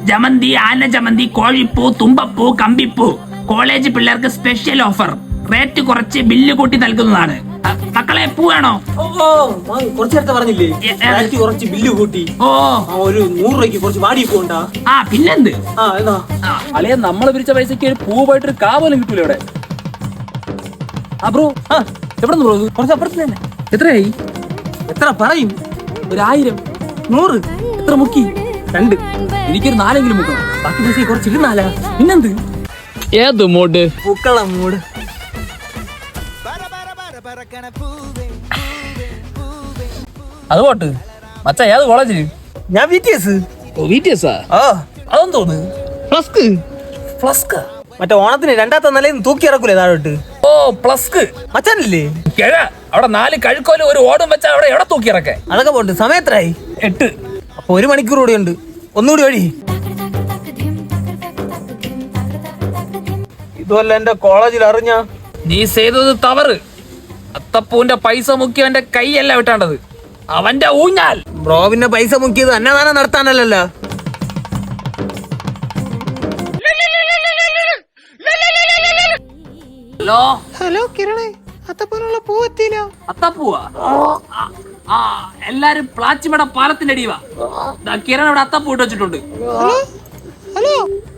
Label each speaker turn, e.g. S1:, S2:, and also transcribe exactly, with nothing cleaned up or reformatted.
S1: ജമന്തി, ആന ജമന്തി, കോഴിപ്പൂ, തുമ്പപ്പൂ, കമ്പിപ്പൂ. കോളേജ് പിള്ളേർക്ക് സ്പെഷ്യൽ ഓഫർ. റേറ്റ് കുറച്ച് ബില്ല് കൂട്ടി നൽകുന്നതാണ്. മക്കളെ പൂ വേണോ?
S2: കുറച്ചു നേരത്തെ പറഞ്ഞില്ലേ കുറച്ച് ബില്ല് കൂട്ടി.
S1: ഓ
S2: ഒരു നൂറ് രൂപയ്ക്ക് കുറച്ച് വാടി പോണ്ടാ.
S1: ആ പിന്നെന്ത്
S3: അളിയ നമ്മള് പിരിച്ച പൈസക്ക് ഒരു പൂ പോയിട്ട് ഒരു കാ പോലും കിട്ടൂല ഇവിടെ. ആ ബ്രോ ആ എവിടെ ബ്രോ?
S2: കുറച്ച് അപ്പുറത്ത് തന്നെ.
S3: എത്രയായി?
S2: എത്ര പറയും?
S3: ഒരു ആയിരം.
S2: നൂറ്.
S3: എത്ര മുക്കി?
S2: രണ്ട്.
S3: എനിക്കൊരു നാലെങ്കിലും മുക്കണം.
S2: ബാക്കി പൈസ കുറച്ച് ഇരുന്നാലാ.
S3: പിന്നെന്ത്? ഏത് മൂഡ്?
S2: പൂക്കള മൂഡ്.
S3: അത് പോട്ട് മച്ചാ, ഏത് കോളേജില്?
S2: ഞാൻ വി ടി എസ്.
S3: ഓ വി ടി എസ് ആ? അതൊന്നും തോന്നുന്നു.
S2: ഫ്ലസ്ക്.
S3: ഫ്ലസ്ക്
S2: മറ്റേ ഓണത്തിന് രണ്ടാമത്തെ നിലയിൽ തൂക്കി ഇറക്കൂലേ താഴോട്ട്?
S3: ഓ പ്ലസ്ക്
S2: മച്ചാനില്ലേ?
S3: കിഴ അവിടെ നാല് കഴുക്കോലും ഒരു ഓടും വെച്ചാ അവിടെ എവിടെ തൂക്കി ഇറക്കേ?
S2: അതൊക്കെ പോണ്ട്. സമയത്രായി?
S3: എട്ട്.
S2: അപ്പൊ ഒരു മണിക്കൂർ കൂടി ഉണ്ട്. ഒന്നുകൂടി വഴി. ഇതുമല്ല എന്റെ കോളേജിൽ അറിഞ്ഞ
S3: നീ ചെയ്തത് തവറ്. അത്തപ്പൂവിന്റെ പൈസ മുക്കിയവന്റെ കൈയല്ല വിട്ടാണ്ടത്, അവന്റെ ഊഞ്ഞാൽ.
S2: ബ്രോ പിന്നെ പൈസ മുക്കിയത് അന്നദാനം നടത്താനല്ലല്ലോ.
S3: ഹലോ
S2: ഹലോ കിരണേ, അത്തപ്പൂനുള്ള പൂ എത്തിയില്ല.
S3: അത്തപ്പൂവാ? ആ എല്ലാരും പ്ലാച്ചിമട പാലത്തിന്റെ അടിവാ. കിരൺ ഇവിടെ അത്തപ്പൂ ഇട്ട് വെച്ചിട്ടുണ്ട്.
S2: Hello hello